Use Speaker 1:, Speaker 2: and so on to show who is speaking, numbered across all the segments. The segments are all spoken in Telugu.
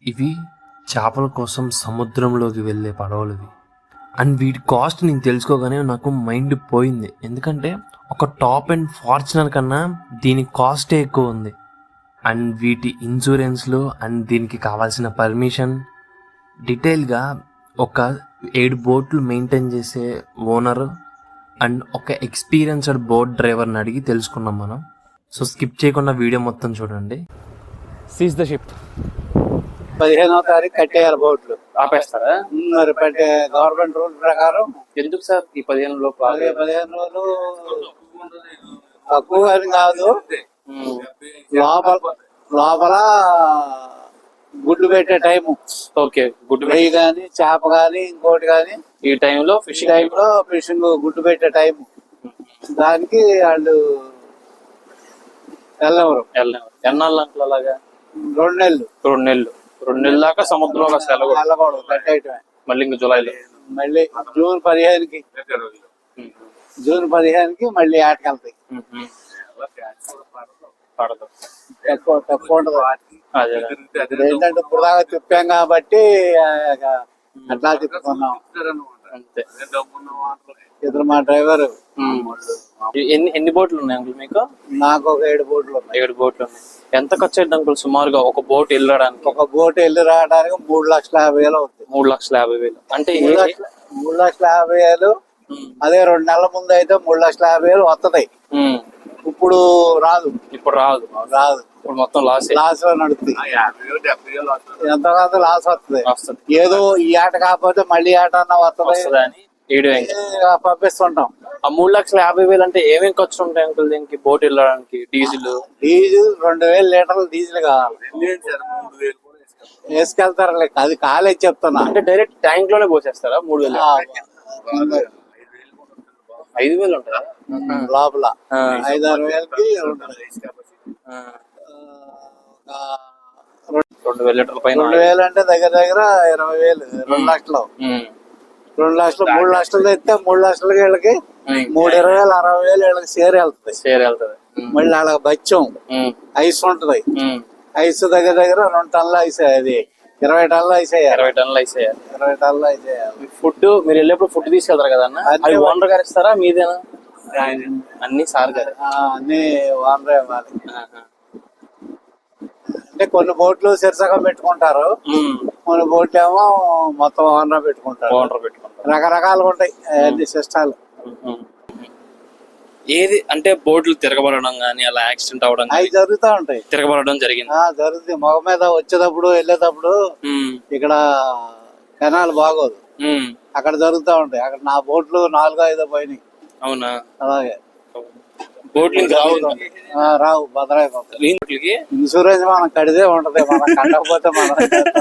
Speaker 1: ఇవి చేపల కోసం సముద్రంలోకి వెళ్ళే పడవలు. అండ్ వీటి కాస్ట్ నేను తెలుసుకోగానే నాకు మైండ్ పోయింది. ఎందుకంటే ఒక టాప్ అండ్ ఫార్చునర్ కన్నా దీని కాస్టే ఎక్కువ ఉంది. అండ్ వీటి ఇన్సూరెన్స్లు అండ్ దీనికి కావాల్సిన పర్మిషన్ డీటెయిల్గా ఒక 7 బోట్లు మెయింటైన్ చేసే ఓనర్ అండ్ ఒక ఎక్స్పీరియన్స్డ్ బోట్ డ్రైవర్ని అడిగి తెలుసుకున్నాం మనం. సో స్కిప్ చేయకుండా వీడియో మొత్తం చూడండి.
Speaker 2: Seize the ship.
Speaker 3: 15వ తారీఖు కట్టేయాలి బోట్లు.
Speaker 2: ఆపేస్తారా?
Speaker 3: మరి గవర్నమెంట్ రూల్ ప్రకారం
Speaker 2: ఎందుకు సార్ ఈ 15 లోపు?
Speaker 3: 15 రోజులు తక్కువ అని కాదు. లోపల గుడ్డు పెట్టే టైము.
Speaker 2: Okay, good.
Speaker 3: నెయ్యి కానీ చేప కానీ ఇంకోటి కానీ
Speaker 2: ఈ టైంలో
Speaker 3: ఫిషింగ్ గుడ్డు పెట్టే టైము. దానికి వాళ్ళు వెళ్ళవరు.
Speaker 2: ఎన్నాళ్ళు అంకుల్ అలాగా?
Speaker 3: 2 నెలలు.
Speaker 2: 2 నెలలు దాకా సముద్రంలో
Speaker 3: వెళ్ళకూడదు, కట్టేయటమే.
Speaker 2: మళ్ళీ ఇంక జూలైలో
Speaker 3: మళ్ళీ జూన్ 15కి మళ్ళీ ఆటకెళ్తాయి.
Speaker 2: పడదు,
Speaker 3: తక్కువ ఉండదు. ఏంటంటే ఇప్పుడు దాకా తిప్పాం కాబట్టి అట్లా తిప్పుకున్నాం
Speaker 2: అంతే.
Speaker 3: ఇద్దరు మా డ్రైవర్.
Speaker 2: ఎన్ని బోట్లు ఉన్నాయి అంకుల్ మీకు?
Speaker 3: నాకు ఒక 7 బోట్లు ఉన్నాయి.
Speaker 2: 7 బోట్లు ఉన్నాయి. ఎంత ఖర్చు అయింది అంకుల్ సుమారుగా ఒక బోట్ వెళ్ళడానికి?
Speaker 3: ఒక బోట్ వెళ్ళి రావడానికి 3,50,000 అవుతుంది.
Speaker 2: 3,50,000 అంటే
Speaker 3: 3,50,000. అదే 2 నెలల ముందు అయితే 3,50,000 వస్తుంది. ఇప్పుడు రాదు.
Speaker 2: ఇప్పుడు మొత్తం లాస్
Speaker 3: లో నడుస్తుంది. ఎంత లాస్ వస్తుంది. ఏదో ఈ ఆట కాకపోతే మళ్ళీ ఆట అన్న వస్తుంది
Speaker 2: అని
Speaker 3: పంపిస్తుంటాం.
Speaker 2: ఆ 3,50,000 అంటే ఏమేమి ఖర్చు ఉంటాయి అంకుల్ దీనికి? బోట్ వెళ్ళడానికి డీజిల్
Speaker 3: 2,000 లీటర్లు డీజిల్ కావాలి. వేసుకెళ్తారు. అది కాలేజ్ చెప్తున్నా.
Speaker 2: అంటే డైరెక్ట్ ట్యాంక్ లోనే పోసేస్తారా? 3,000 5,000 ఉంటుందా
Speaker 3: లోపల? 5,000-6,000కి ఉంటుంది.
Speaker 2: 2,000 లీటర్ల పైన.
Speaker 3: 2,000 అంటే దగ్గర 20,000. 2 లక్షలు. 2 లక్షలు 3 లక్షలు తెస్తే 3 లక్షలకి వీళ్ళకి 3,20,000 60,000 వీళ్ళకి షేర్ వెళ్తుంది. మళ్ళీ వాళ్ళకి బచ్చం ఐస్ ఉంటది. ఐస్ దగ్గర 2 టన్నుల ఐస్. అది 20 టన్నుల ఐస్ వేయాలి. 20 టన్నుల ఐస్ వేయాలి.
Speaker 2: ఫుడ్ మీరు వెళ్ళేప్పుడు ఫుడ్ తీసుకెళ్తారు కదా అన్న? అది ఓనర్ గారు ఇస్తారా మీదేనా? అన్ని సార్ గారు.
Speaker 3: అన్ని ఓనరే ఇవ్వాలి. అంటే కొన్ని బోట్లు శీర్షకం పెట్టుకుంటారు, కొన్ని బోట్లు ఏమో మొత్తం ఓనర్ పెట్టుకుంటారు. రకరకాలుగా ఉంటాయి అన్ని సిస్టాలు.
Speaker 2: ఏది అంటే బోట్లు తిరగబడడం గానీ అలా యాక్సిడెంట్ అవడం
Speaker 3: అవి జరుగుతూ ఉంటాయి.
Speaker 2: తిరగబడడం జరిగింది.
Speaker 3: జరుగుతుంది. మొగ మీద వచ్చేటప్పుడు వెళ్ళేటప్పుడు ఇక్కడ కెనాల్ బాగోదు, అక్కడ జరుగుతూ ఉంటాయి. అక్కడ నా బోట్లు 4-5 పోయినాయి.
Speaker 2: అవునా?
Speaker 3: అలాగే
Speaker 2: రావు
Speaker 3: భద్రాయిపోతాయి. ఇన్సూరెన్స్ మనం కడితే ఉంటది, మనం కట్టకపోతే మనం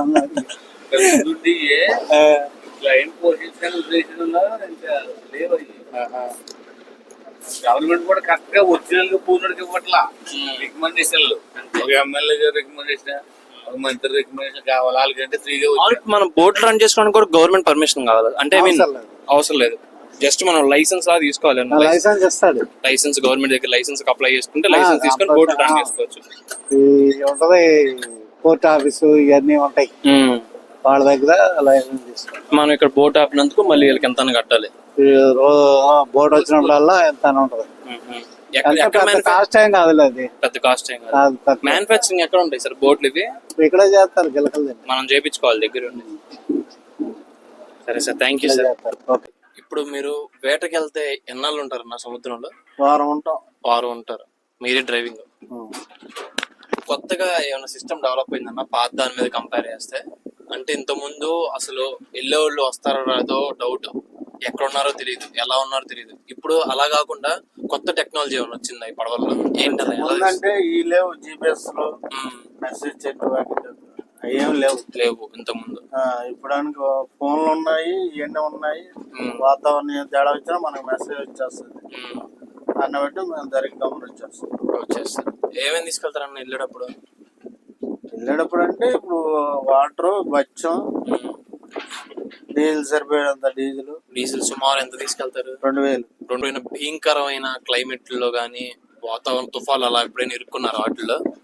Speaker 4: గవర్నమెంట్ కూడా కరెక్ట్ గా ఒరిజినల్ పూర్ణుడికి ఇవ్వట్లా. రికమెండేషన్లు ఒక ఎమ్మెల్యే గారు రికమెండేషన్, ఒక మంత్రి రికమెండేషన్ కావాలి. వాళ్ళకంటే ఫ్రీగా
Speaker 2: మనం బోట్ రన్ చేసుకోవడానికి కూడా గవర్నమెంట్ పర్మిషన్ కావాలి. అంటే అవసరం లేదు, జస్ట్ మనం లైసెన్స్ లా తీసుకోవాలి.
Speaker 3: లైసెన్స్ ఇస్తాడు.
Speaker 2: లైసెన్స్ గవర్నమెంట్ దగ్గర లైసెన్స్ అప్లై చేసుకుంటే లైసెన్స్ తీసుకొని బోట్ రన్ చేసుకోవచ్చు.
Speaker 3: ఉంటది పోర్ట్ ఆఫీసు ఇవన్నీ ఉంటాయి, వాళ్ళ దగ్గర లైసెన్స్ తీసుకోవాలి.
Speaker 2: మనం ఇక్కడ బోట్ ఆపినందుకు మళ్ళీ వీళ్ళకి ఎంత కట్టాలి.
Speaker 3: బోట్ వచ్చినప్పుడల్లా ఎంత ఉంటది. కాస్ట్ ఏం కాదు, అది
Speaker 2: పెద్ద కాస్ట్ ఏం కాదు. మ్యానుఫాక్చరింగ్ ఎక్కడ ఉంటాయి సార్ బోట్లు? ఇవి
Speaker 3: ఇక్కడే చేస్తారు, గిలకలు
Speaker 2: మనం చేయించుకోవాలి దగ్గర ఉండి. సరే సార్, థ్యాంక్ యూ సార్. ఇప్పుడు మీరు వేటకి వెళ్తే ఎన్నాళ్ళు ఉంటారు నా సముద్రంలో?
Speaker 3: వారం
Speaker 2: ఉంటారు. మీరే డ్రైవింగ్. కొత్తగా ఏమైనా సిస్టమ్ డెవలప్ అయిందన్న పాత దాని మీద కంపేర్ చేస్తే? అంటే ఇంత ముందు అసలు వెళ్ళే వాళ్ళు వస్తారో రాదో డౌట్, ఎక్కడ ఉన్నారో తెలియదు, ఎలా ఉన్నారో తెలియదు. ఇప్పుడు అలా కాకుండా కొత్త టెక్నాలజీ ఏమైనా వచ్చిందా ఈ పడవల్లో?
Speaker 3: ఏంటంటే ఈ లేవు జిపిఎస్ లో మెసేజ్ చెట్టు ఏం లేవు
Speaker 2: ఇంత ముందు.
Speaker 3: ఇప్పుడు ఫోన్లు ఉన్నాయి, ఇవన్నీ ఉన్నాయి. వాతావరణం తేడా వచ్చినా మనకు మెసేజ్ వచ్చేస్తుంది. దాన్ని బట్టి మేము జరిగి
Speaker 2: వచ్చేస్తాం. ఏమేమి తీసుకెళ్తారన్న వెళ్ళేటప్పుడు?
Speaker 3: అంటే ఇప్పుడు వాటర్, బచ్చం, డీజిల్ సరిపోయేంత డీజిల్
Speaker 2: సుమారు ఎంత తీసుకెళ్తారు?
Speaker 3: 2,000.
Speaker 2: భయంకరమైన క్లైమేట్ లో గానీ వాతావరణ తుఫాలు అలా ఎప్పుడైనా ఇరుక్కున్నారు వాటిల్లో?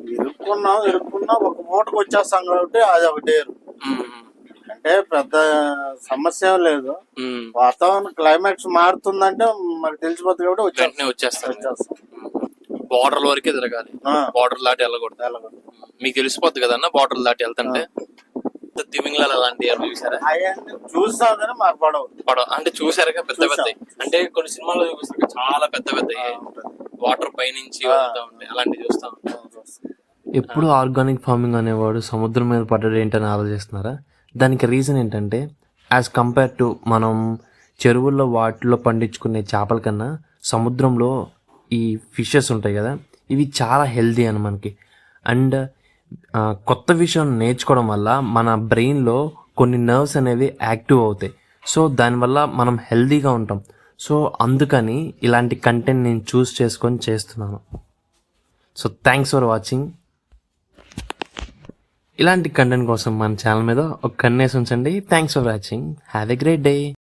Speaker 3: ఇరుక్కున్నా ఒక మూటకు వచ్చేస్తాం కాబట్టి అది ఒక డేరు. అంటే పెద్ద సమస్య ఏం లేదు. వాతావరణం క్లైమాక్స్ మారుతుందంటే మనకు తెలిసిపోతుంది కాబట్టి
Speaker 2: వెంటనే వచ్చేస్తారు. బార్డర్ వరకే తిరగాలి, బార్డర్ దాటి వెళ్ళకూడదు. మీకు తెలిసిపోద్ది కదన్నా బార్డర్ దాటి వెళ్తుంటే. తిమింగ్లాలు అలాంటి చూసారా?
Speaker 3: చూస్తాం కానీ మాకు పడవ
Speaker 2: అంటే చూసారుగా పెద్ద పెద్ద, అంటే కొన్ని సినిమాల్లో చూపిస్తారు చాలా పెద్ద పెద్ద వాటర్ పైనుంచి వెళ్తా ఉంటాయి, అలాంటివి చూస్తా ఉంటాం.
Speaker 1: ఎప్పుడు ఆర్గానిక్ ఫార్మింగ్ అనేవాడు సముద్రం మీద పడ్డాడు ఏంటని ఆలోచిస్తున్నారా? దానికి రీజన్ ఏంటంటే యాజ్ కంపేర్ టు మనం చెరువుల్లో వాటిలో పండించుకునే చేపల కన్నా సముద్రంలో ఈ ఫిషెస్ ఉంటాయి కదా, ఇవి చాలా హెల్దీ అని మనకి. అండ్ కొత్త విషయం నేర్చుకోవడం వల్ల మన బ్రెయిన్లో కొన్ని నర్వ్స్ అనేవి యాక్టివ్ అవుతాయి. సో దానివల్ల మనం హెల్దీగా ఉంటాం. సో అందుకని ఇలాంటి కంటెంట్ నేను చూస్ చేసుకొని చేస్తున్నాను. So thanks for watching. ఇలాంటి కంటెంట్ కోసం మన ఛానల్ మీద ఒక కన్నేసి ఉంచండి. Thanks for watching. Have a great day.